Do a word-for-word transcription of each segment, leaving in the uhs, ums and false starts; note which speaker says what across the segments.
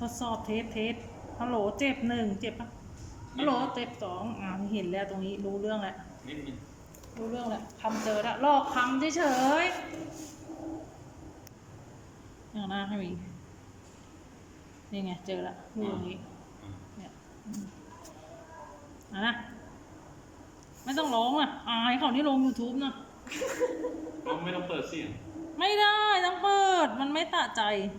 Speaker 1: ดสอบเทสเทสฮัลโหลเจ็บหนึ่งเจ็บปะฮัลโหลเจ็บสองอ่าเห็นแล้วตรงนี้รู้เรื่องแล้ว
Speaker 2: นิดนึง
Speaker 1: รู้เรื่องแล้วคำเจอแล้วลอกคำเฉยๆอย่างหน้าให้มีนี่ไงเจอแล้วดูตรงนี้เนี่ยอ่ะนะไม่ต้องร้องอ่ะอายเขาที่ลง ยูทูบ นะ
Speaker 2: ก็ไม่ต้องเปิดเสียง
Speaker 1: ไม่ได้ต้องเปิดมันไม่ตะใจ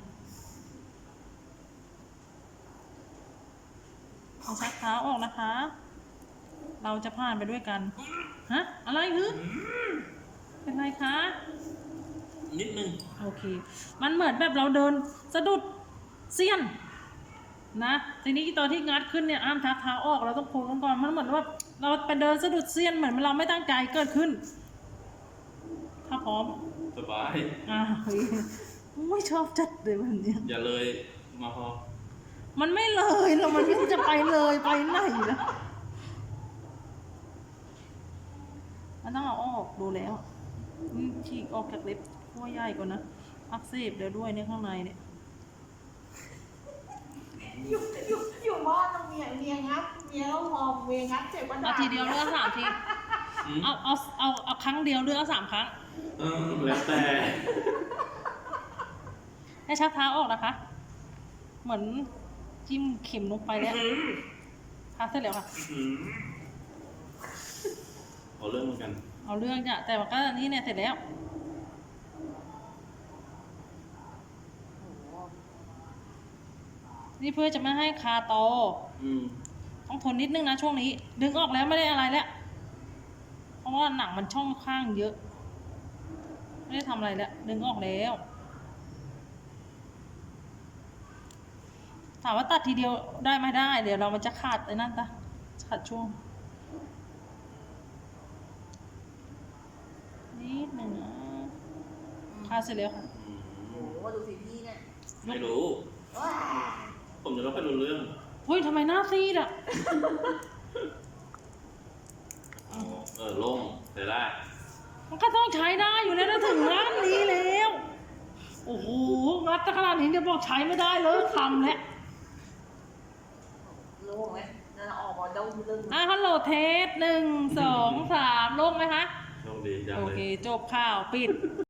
Speaker 1: เอาชักเท้าออกนะคะเราจะผ่านไปด้วยกันฮะอะไรฮึเป็นไรคะ
Speaker 2: นิดนึง
Speaker 1: โอเคมันเหมือนแบบเราเดินสะดุดเสี้ยนนะทีนี้ตอนที่งัดขึ้นเนี่ยอ้ามชักเท้าออกเราต้องโค้งก่อนมันเหมือนว่าเราไปเดินสะดุดเสี้ยนเหมือนเราไม่ตั้งใจเกิดขึ้นถ้าพร้อม
Speaker 2: สบาย
Speaker 1: อ่าไม่ชอบจัดเลยวันนี้
Speaker 2: อย่าเลยมาพอ
Speaker 1: มันไม่เลยเรามันไม่จะไปเลยไปไหนนะมันต้องเอาออกดูแล้วฉีกออกจากเล็บขั้วใหญ่กว่านะอักเสบเดี๋ยวด้วยเนี่ยข้างในเนี่ย
Speaker 3: อยู่อยู่อยู่บ้านต้องเมียเมียงัดเมียต้องหอมเมียงัดเจ็บกว่า
Speaker 1: เอาทีเดียวเลือกสามทีเอาเอาเอาเอาครั้งเดียวเลือกสามครั้ง
Speaker 2: เออแล้วแต่
Speaker 1: ให้ชักเท้าออกนะคะเหมือนจิ้มเข็มลงไปแล้วค่ะเสร็จแล้วค่ะ
Speaker 2: เอาเรื่องเหมือนกัน
Speaker 1: เอาเรื่องจ้ะแต่ว่าก็นี่เนี่ยเสร็จแล้วนี่เพื่อจะไม่ให้คาโตต้องทนนิดนึงนะช่วงนี้ดึงออกแล้วไม่ได้อะไรแล้วเพราะว่าหนังมันช่องข้างเยอะไม่ได้ทำอะไรแล้วดึงออกแล้วถามว่าตัดทีเดียวได้ไม่ได้เดี๋ยวเรามันจะขาดไอ้นั่นตะขาดช่วงนิดหนึ่งนะขาดเสร็จแล้วค่ะ
Speaker 3: โอ้โหดูสิพี่เนี่ย
Speaker 2: ไม่รู้ผมจะรับไปรู้เรื่อง
Speaker 1: เฮ้ยทำไมหน้าซีดอ่ะ
Speaker 2: เออโล่งใช้ได้
Speaker 1: มันก็ต้องใช้ได้อยู่แล้วนะถึงร้านนี้แล้วโอ้โหงัดขนาดนี้เดี๋ยวบอกใช้ไม่ได้เลยคำแล้ว
Speaker 3: โล่งไหมนั่นออกมาเด้าเรื่อง
Speaker 1: อ่ะฮัลโหลเทสหนึ่งสองสามโล่งไหมคะ
Speaker 2: โล่งดีจังเลย
Speaker 1: โอเคจบข่าวปิด